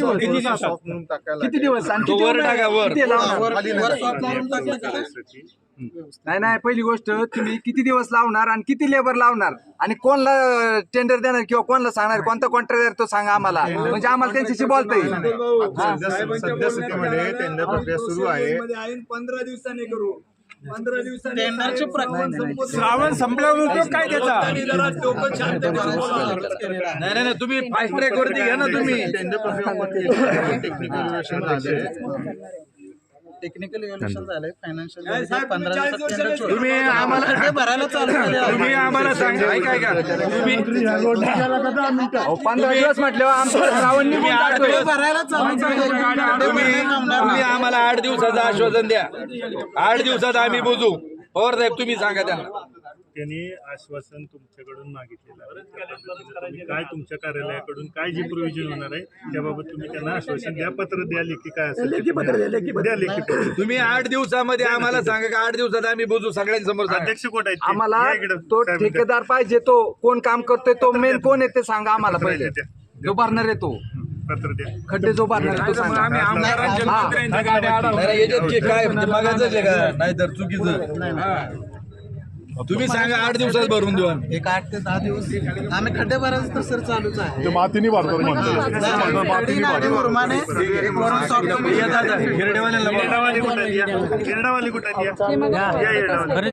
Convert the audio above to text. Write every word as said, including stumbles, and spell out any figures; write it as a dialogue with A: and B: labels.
A: दिवस
B: किती दिवस
A: किती दिवस आणि किती
C: वर टाका, वर.
A: किती लावणार? नाही नाही पहिली गोष्ट तुम्ही किती दिवस लावणार आणि किती लेबर लावणार आणि कोणला टेंडर देणार किंवा कोणला सांगणार कोणता कॉन्ट्रॅक्टर तो सांगा आम्हाला म्हणजे आम्हाला त्यांच्याशी बोलता येईल.
B: सद्यस्थितीमध्ये टेंडर प्रक्रिया सुरू आहे.
D: पंधरा दिवसांनी करू पंधरा दिवसांनी
E: श्रावण संपल्यावर उपयोग काय त्याचा?
C: नाही नाही तुम्ही फास्ट ट्रॅक वरती घ्या ना तुम्ही.
B: टेंडर प्रक्रिया टेक्निकल झाले.
F: टेक्निकल इव्हॅल्युएशन झालंय फायनान्शियल पंधरा दिवसात
C: तुम्ही आम्हाला
F: भरायला चालू
C: तुम्ही आम्हाला सांगा ऐका ऐका तुम्ही
A: अहो, पंधरा दिवस म्हटल्यावर आमचं श्रावण निघून जातोय.
F: भरायला चालू
C: तुम्ही तुम्ही आम्हाला आठ दिवसाचं आश्वासन द्या. आठ दिवसात आम्ही बुजू. पवार साहेब तुम्ही सांगा त्यांना.
G: त्यांनी आश्वासन तुमच्याकडून मागितलेलं आहे. तुम्ही काय तुमच्या कार्यालयाकडून काय जी प्रोव्हिजन होणार आहे त्याबाबत तुम्ही त्यांना आश्वासन द्या. पत्र द्या, लेखी काय असेल ते द्या, लेखी पत्र.
C: तुम्ही आठ दिवसामध्ये आम्हाला सांगा का आठ दिवसात आम्ही बुजू सगळ्यांसमोर सांगा.
G: अध्यक्ष कोण आहेत ते?
A: आम्हाला
G: या इकडं.
A: तो
G: साहेब द्या.
A: ठेकेदार पाहिजे तो कोण काम करतोय तो मेन कोण आहे ते सांगा आम्हाला पहिले. जो भरणार आहे तो
G: पत्र द्या.
A: खड्डे जो भरणार आहे तो सांगा.
E: आम्ही आमदारांच्या मंत्र्यांच्या गाड्या अडवतो.
C: नाही, नाही, याच्यात की काय म्हणजे मागायचं आहे का नाहीतर चुकीचं. तुम्ही सांगा आठ दिवसात भरून देऊ आम्ही.
F: एक आठ ते दहा दिवस आम्ही खड्डे भरायचं तर सर चालूच आहे.
B: मातीने भरतो
F: मुरमाने करून सॉल्व्ह करू.
C: या दादा, हिरडेवाल्यांना बोलवा.
G: येरडावाली कुठे आहेत? या. या येरडावाली.